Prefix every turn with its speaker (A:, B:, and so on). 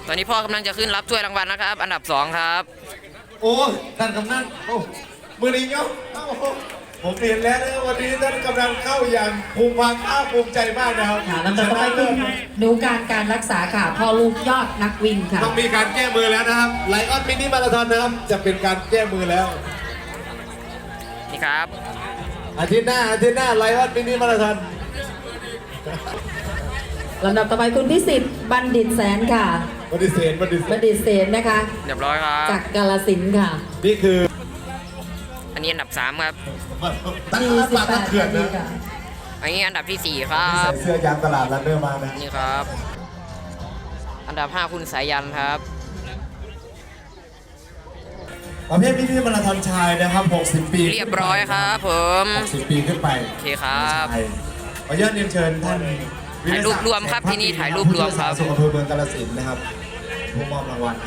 A: ตอนนี้พ่อกำลังจะขึ้นรับถ้วยรางวัลนะครับ อันดับ2ครับ
B: โอ้ท่านกำนันโอ้มือนี้เนาะผมเห็นแล้วนะวันนี้ท่านกำลังเข้าอย่างภูมิภาคภูมิใจมากนะครับ
C: ค่ะลำดับต่อไปคุณดูการรักษาค่ะพ่อลูกยอดนักวิ่งค่ะ
B: ต้องมีการแก้มือแล้วนะครับไลออนมินิมาราธอนนะครับจะเป็นการแก้มือแล้ว
A: นี่ครับ
B: อาทิตย์หน้าไลออนมินิมาราธอน
C: ลำดับต่อไปคุณพิสิทธิ์บัณฑิตแสนค่ะ
B: บัณฑิตเสน
C: บัณฑิตเสนนะคะ
A: เรียบร้อยครับ
C: จากกาฬสินธุ์ค่ะ
B: นี่คือ
A: อันนี้อันดับ3ครับ
B: ตั้งรับปากตั้งเขื่อนนะ
C: ค่ะ
A: อันนี้อันดับที่4ครับ
B: ใส่เสื้อยางตลาดรันเนอร์มานะ
A: นี่ครับ อันดับ5คุณสายันครับ
B: ประเภทมินิมาราธอนชายนะครับ60 ปี
A: เรียบร้อยครับผม
B: 60 ปีขึ้นไป
A: โอเคครับ
B: ใช่ขออนุญาตเรียนเชิญท่าน
A: ถ่ายรูปรวมครับที่นี่ถ่ายรูปรวมครับ
B: สุขอำเภอเมืองกาฬสินธุ์นะครับผู้มอบรางวัล